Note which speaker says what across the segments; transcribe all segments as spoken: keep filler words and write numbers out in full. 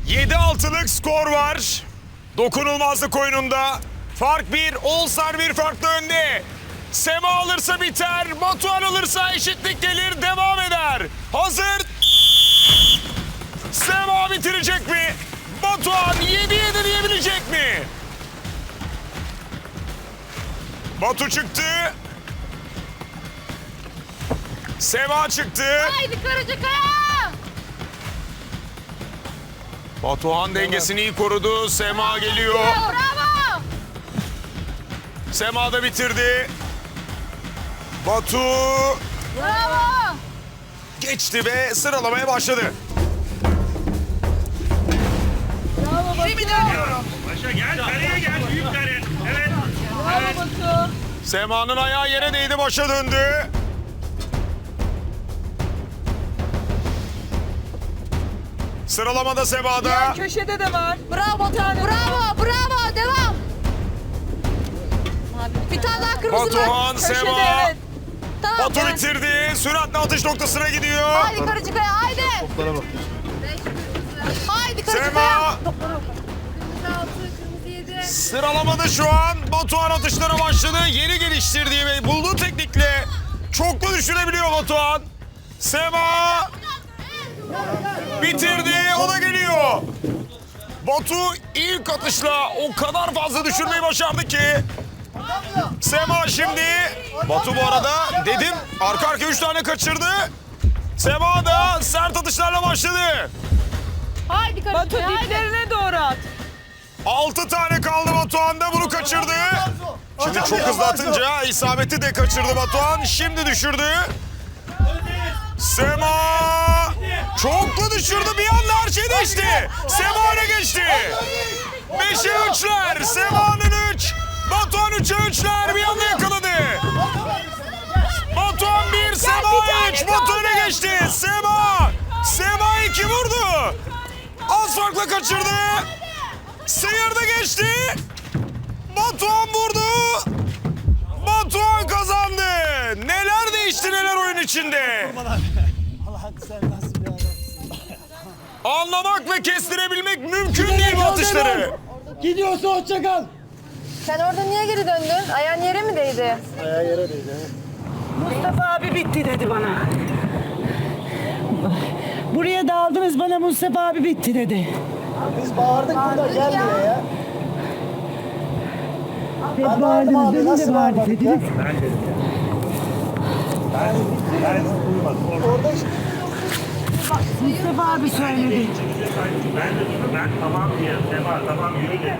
Speaker 1: yedi altılık skor var. Dokunulmazlık oyununda. Fark bir, All-Star bir farklı önde. Sema alırsa biter, Batuhan alırsa eşitlik gelir, devam eder. Hazır. Sema bitirecek mi? Batuhan yedi yedi diyebilecek mi? Batu çıktı. Sema çıktı.
Speaker 2: Haydi Karacakaya!
Speaker 1: Batuhan dengesini iyi korudu. Sema geliyor.
Speaker 2: Bravo!
Speaker 1: Sema da bitirdi. Batu
Speaker 2: Bravo!
Speaker 1: geçti ve sıralamaya başladı.
Speaker 2: Geri mi dönüyorum?
Speaker 3: Başa gel, kareye gel, büyük kare. Evet. Evet.
Speaker 2: Batu.
Speaker 1: Sema'nın ayağı yere değdi, başa döndü. Sıralamada Sema'da.
Speaker 2: Köşede de var. Bravo Batu. Bravo, bravo. Devam. Bir tane daha kırmızı
Speaker 1: Batuhan,
Speaker 2: var. Köşede,
Speaker 1: Sema.
Speaker 2: evet. Tamam.
Speaker 1: Batu
Speaker 2: devam.
Speaker 1: bitirdi. Süratle atış noktasına gidiyor.
Speaker 2: Haydi Karacakaya, haydi.
Speaker 4: Toplara bak.
Speaker 2: Haydi Karacakaya.
Speaker 1: Sema. Sıralamada şu an Batuhan atışlara başladı. Yeni geliştirdiği ve bulduğu teknikle çoklu düşürebiliyor Batuhan. Sema bitirdi, o da geliyor. Batu ilk atışla o kadar fazla düşürmeyi başardı ki. Sema şimdi. Batu bu arada dedim arka arka üç tane kaçırdı. Sema da sert atışlarla başladı.
Speaker 2: Haydi Karacakaya, haydi.
Speaker 5: Diplerine doğru at.
Speaker 1: Altı tane kaldı Batuhan'da, bunu kaçırdı. Şimdi çok hızlı atınca isabeti de kaçırdı Batuhan. Şimdi düşürdü. Sema çoklu düşürdü, bir anda her şey değişti. Sema öne geçti. Beşe üçler, Sema'nın üç. Batuhan üçe üçler, bir anda yakaladı. Batuhan bir, Sema üç. Batu öne geçti. Sema, Sema iki vurdu. Az farkla kaçırdı. Sıyırdı geçti. Batuhan vurdu. Batuhan kazandı. Neler değişti neler oyun içinde.
Speaker 4: Allah'ım sen nasıl bir adamsın.
Speaker 1: Anlamak ve kestirebilmek mümkün değil bu atışları.
Speaker 4: Gidiyorsa hoşça kal.
Speaker 2: Sen orada niye geri döndün? Ayağın yere mi değdi?
Speaker 4: Ayağı yere değdi.
Speaker 5: Mustafa abi bitti dedi bana. Buraya daldınız, bana Mustafa abi bitti dedi.
Speaker 4: Biz bağırdık burada, gel buraya ya.
Speaker 5: Hep
Speaker 4: Ben
Speaker 5: bağırdınız,
Speaker 4: abi,
Speaker 5: benim
Speaker 4: nasıl
Speaker 5: de bağırdı
Speaker 4: bağırmadık
Speaker 5: dediniz.
Speaker 3: Ben dedim ya. Ben, ben duymadım. Orada
Speaker 4: Orada işte.
Speaker 5: Mustafa abi söyledi.
Speaker 3: ben de duydum. Ben tamam diye, Sema tamam yürü dedim.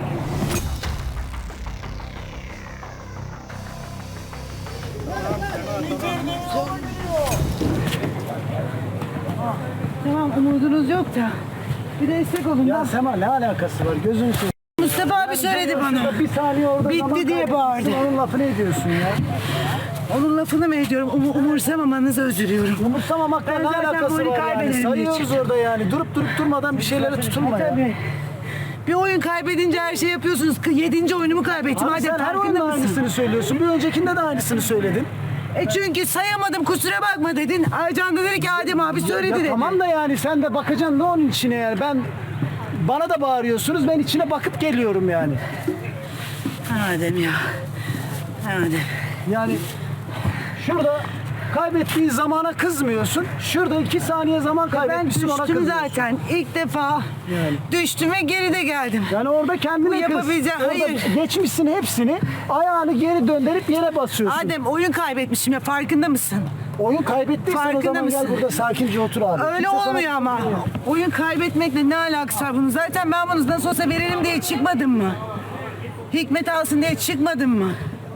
Speaker 5: Tamam, umudunuz yok da. Bir destek olun.
Speaker 4: Ya
Speaker 5: da.
Speaker 4: Sema ne alakası var, gözünü seveyim.
Speaker 5: Mustafa abi söyledi bana.
Speaker 4: Bir saniye orada
Speaker 5: Bitti
Speaker 4: zaman
Speaker 5: diye
Speaker 4: kaybetmişsin,
Speaker 5: bağırdı.
Speaker 4: Onun lafını ediyorsun ya.
Speaker 5: Onun lafını mı ediyorum? Um umursamamanızı özür diliyorum.
Speaker 4: Umursamamakla
Speaker 5: Ben
Speaker 4: ne
Speaker 5: zaten
Speaker 4: alakası
Speaker 5: bu oyunu
Speaker 4: var yani?
Speaker 5: kaybederim
Speaker 4: Sayıyoruz
Speaker 5: diye
Speaker 4: orada yani. Durup durup durmadan bir şeylere tutulma ya.
Speaker 5: Tabii. Bir oyun kaybedince her şey yapıyorsunuz. Yedinci oyunumu kaybettim.
Speaker 4: Abi
Speaker 5: Hadi
Speaker 4: sen her
Speaker 5: farkında
Speaker 4: oyunda
Speaker 5: mısın?
Speaker 4: aynısını söylüyorsun. Bir öncekinde de aynısını söyledin.
Speaker 5: E çünkü sayamadım, kusura bakma dedin. Aycan da dedi ki Adem abi söyledi
Speaker 4: Ya
Speaker 5: dedi.
Speaker 4: tamam da yani sen de bakacaksın da onun içine yani. Ben bana da bağırıyorsunuz. Ben içine bakıp geliyorum yani.
Speaker 5: Adem ya. Adem.
Speaker 4: Yani şurada kaybettiğin zamana kızmıyorsun. Şurada iki saniye zaman
Speaker 5: Ben
Speaker 4: kaybetmişsin, ona
Speaker 5: düştüm
Speaker 4: kızıyorsun.
Speaker 5: zaten. İlk defa
Speaker 4: Yani.
Speaker 5: düştüm ve geride geldim.
Speaker 4: Yani orada kendine
Speaker 5: Bu
Speaker 4: kız.
Speaker 5: yapabileceğin-
Speaker 4: Orada
Speaker 5: hayır.
Speaker 4: geçmişsin hepsini. Ayağını geri döndürüp yere basıyorsun.
Speaker 5: Adem oyun kaybetmişim ya, farkında mısın?
Speaker 4: Oyun kaybettiysen o
Speaker 5: Farkında
Speaker 4: zaman
Speaker 5: mısın?
Speaker 4: gel burada sakince otur abi.
Speaker 5: Öyle
Speaker 4: Kimse sana
Speaker 5: olmuyor ama.
Speaker 4: tutmuyor.
Speaker 5: Oyun kaybetmekle ne alakası var bunun? Zaten ben bunu nasıl olsa verelim diye çıkmadım mı? Hikmet alsın diye çıkmadım mı?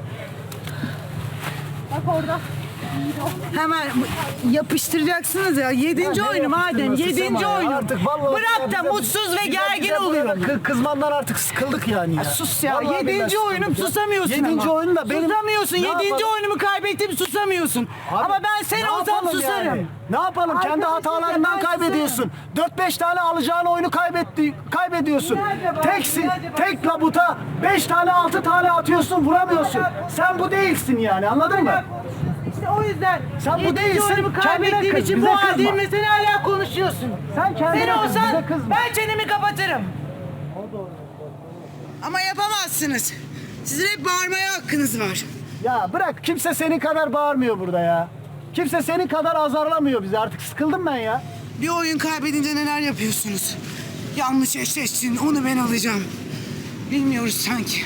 Speaker 2: Bak orada.
Speaker 5: Hemen yapıştıracaksınız ya. Yedinci
Speaker 4: Ya ne
Speaker 5: oyunu madem.
Speaker 4: yapıştırması
Speaker 5: Yedinci
Speaker 4: Sema ya?
Speaker 5: oyun.
Speaker 4: Artık vallahi
Speaker 5: Bırak da
Speaker 4: bize-
Speaker 5: mutsuz ve
Speaker 4: bize-
Speaker 5: gergin
Speaker 4: bize burada
Speaker 5: oluyorum.
Speaker 4: kı- Kızmandan artık sıkıldık yani ya.
Speaker 5: Sus ya.
Speaker 4: Vallahi billahi
Speaker 5: Yedinci
Speaker 4: sıkıldık
Speaker 5: oyunum
Speaker 4: ya.
Speaker 5: susamıyorsun
Speaker 4: Yedinci
Speaker 5: ama.
Speaker 4: oyun da benim...
Speaker 5: Susamıyorsun.
Speaker 4: Ne
Speaker 5: Yedinci
Speaker 4: yapalım?
Speaker 5: oyunumu kaybettim, susamıyorsun.
Speaker 4: Abi,
Speaker 5: ama ben sen
Speaker 4: ne
Speaker 5: olsam
Speaker 4: yapalım
Speaker 5: susarım.
Speaker 4: yani? Ne yapalım? Kendi
Speaker 5: Arkadaşlar,
Speaker 4: hatalarından
Speaker 5: ben
Speaker 4: kaybediyorsun. dört beş tane alacağın oyunu kaybetti, kaybediyorsun.
Speaker 5: Nerede var?
Speaker 4: Teksin,
Speaker 5: Nerede var?
Speaker 4: tek labuta beş tane altı tane atıyorsun, vuramıyorsun. Sen bu değilsin yani, anladın mı?
Speaker 5: İşte o yüzden.
Speaker 4: Sen bu
Speaker 5: yedinci
Speaker 4: değilsin,
Speaker 5: oyunumu
Speaker 4: kendine
Speaker 5: kaybettiğim
Speaker 4: kız,
Speaker 5: için
Speaker 4: bize
Speaker 5: bu
Speaker 4: kızma.
Speaker 5: halde sen hala konuşuyorsun.
Speaker 4: Sen kendine
Speaker 5: Sen
Speaker 4: kız, bize
Speaker 5: olsan
Speaker 4: kızma.
Speaker 5: ben çenemi kapatırım. bağırırım. Ama yapamazsınız. Sizin hep bağırmaya hakkınız var.
Speaker 4: Ya bırak, kimse senin kadar bağırmıyor burada ya. Kimse senin kadar azarlamıyor bizi. Artık sıkıldım ben ya.
Speaker 5: Bir oyun kaybedince neler yapıyorsunuz? Yanlış eşleştin, onu ben alacağım. Bilmiyoruz sanki.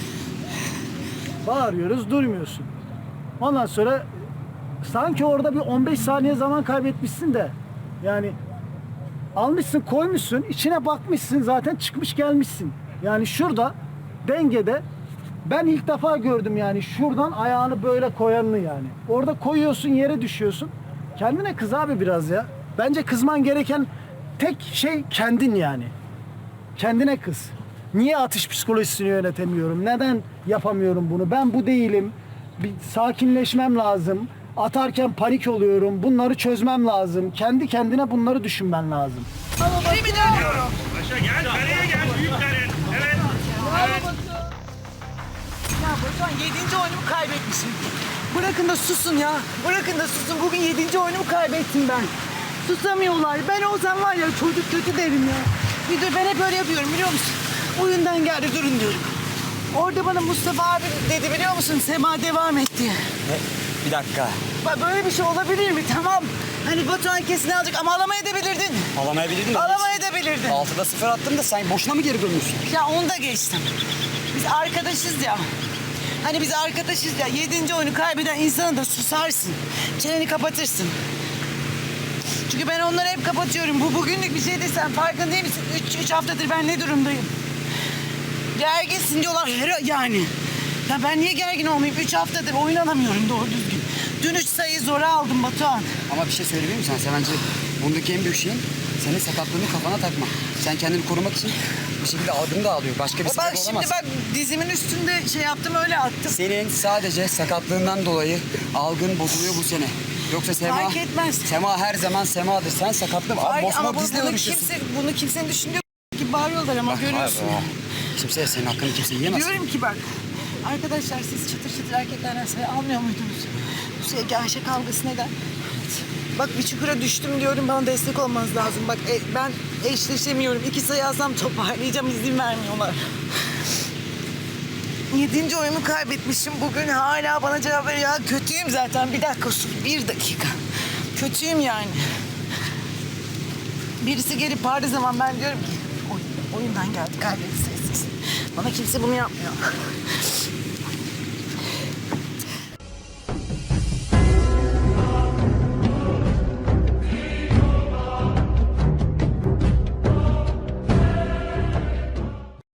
Speaker 4: Bağırıyoruz, durmuyorsun. Ondan sonra sanki orada bir on beş saniye zaman kaybetmişsin de. Yani almışsın, koymuşsun, içine bakmışsın, zaten çıkmış gelmişsin. Yani şurada dengede ben ilk defa gördüm yani, şuradan ayağını böyle koyanını yani. Orada koyuyorsun, yere düşüyorsun. Kendine kız abi biraz ya. Bence kızman gereken tek şey kendin yani. Kendine kız. Niye atış psikolojisini yönetemiyorum? Neden yapamıyorum bunu? Ben bu değilim. Bir sakinleşmem lazım. Atarken panik oluyorum. Bunları çözmem lazım. Kendi kendine bunları düşünmen lazım.
Speaker 5: Geri mi dönüyorum?
Speaker 3: Paşa gel, kareye gel, büyük kare. Evet. Evet.
Speaker 5: Ya Batuhan yedinci oyunumu kaybetmişim. Bırakın da susun ya. Bırakın da susun. Bugün yedinci oyunumu kaybettim ben. Susamıyorlar. Ben olsam var ya çocuk kötü derim ya. Bir dur, ben hep öyle yapıyorum biliyor musun? Oyundan geldi durun diyorum. Orada bana Mustafa abi dedi biliyor musun? Sema devam et diye.
Speaker 6: Bir dakika.
Speaker 5: Bak böyle bir şey olabilir mi? Tamam. Hani Batuhan kesin alacak ama alamayabilirdin.
Speaker 6: Alamayabilirdin de.
Speaker 5: Alamayabilirdin.
Speaker 6: Altıda sıfır attım da sen boşuna mı geri dönüyorsun?
Speaker 5: Ya onu da geçtim. Biz arkadaşız ya. Hani biz arkadaşız ya. Yedinci oyunu kaybeden insana da susarsın. Çeneni kapatırsın. Çünkü ben onları hep kapatıyorum. Bu bugünlük bir şey değil, sen farkında değil misin? Üç, üç haftadır ben ne durumdayım? Gerginsin diyorlar her yani. Ya ben niye gergin olmayayım? Üç haftadır oyun alamıyorum doğru düzgün. Dün üç sayıyı zora aldım Batuhan.
Speaker 6: Ama bir şey söyleyeyim mi sana? Sen bence bundaki en büyük şeyin senin sakatlığını kafana takma. Sen kendini korumak için bir şekilde adını da alıyor. Başka bir
Speaker 5: O
Speaker 6: sebep
Speaker 5: bak
Speaker 6: olamaz.
Speaker 5: şimdi bak dizimin üstünde şey yaptım öyle attım.
Speaker 6: Senin sadece sakatlığından dolayı algın bozuluyor bu sene. Yoksa Sema...
Speaker 5: Fark etmez.
Speaker 6: Sema her zaman Sema'dır. Sen sakatlığın... Abi
Speaker 5: Ay,
Speaker 6: Bosma
Speaker 5: ama bu,
Speaker 6: bizle
Speaker 5: bunu,
Speaker 6: uğraşıyorsun.
Speaker 5: kimse, bunu kimsenin düşündüğü gibi bağırıyorlar ama görüyorsun.
Speaker 6: Hayır, kimse senin hakkını kimse yiyemez.
Speaker 5: Diyorum ki bak, arkadaşlar siz çıtır çıtır erkeklerden sayı almıyor muydunuz? Bu sevgi Ayşe kavgası neden? Bak bir çukura düştüm diyorum, bana destek olmanız lazım. Bak e, ben eşleşemiyorum. İki sayı alsam toparlayacağım, izin vermiyorlar. Yedinci oyumu kaybetmişim. Bugün hala bana cevap veriyor. Ya kötüyüm zaten. Bir dakika sus. Bir dakika. Kötüyüm yani. Birisi gelip bağırdığı zaman ben diyorum ki oyun, oyundan geldi kaybetseysiz. Bana kimse bunu yapmıyor.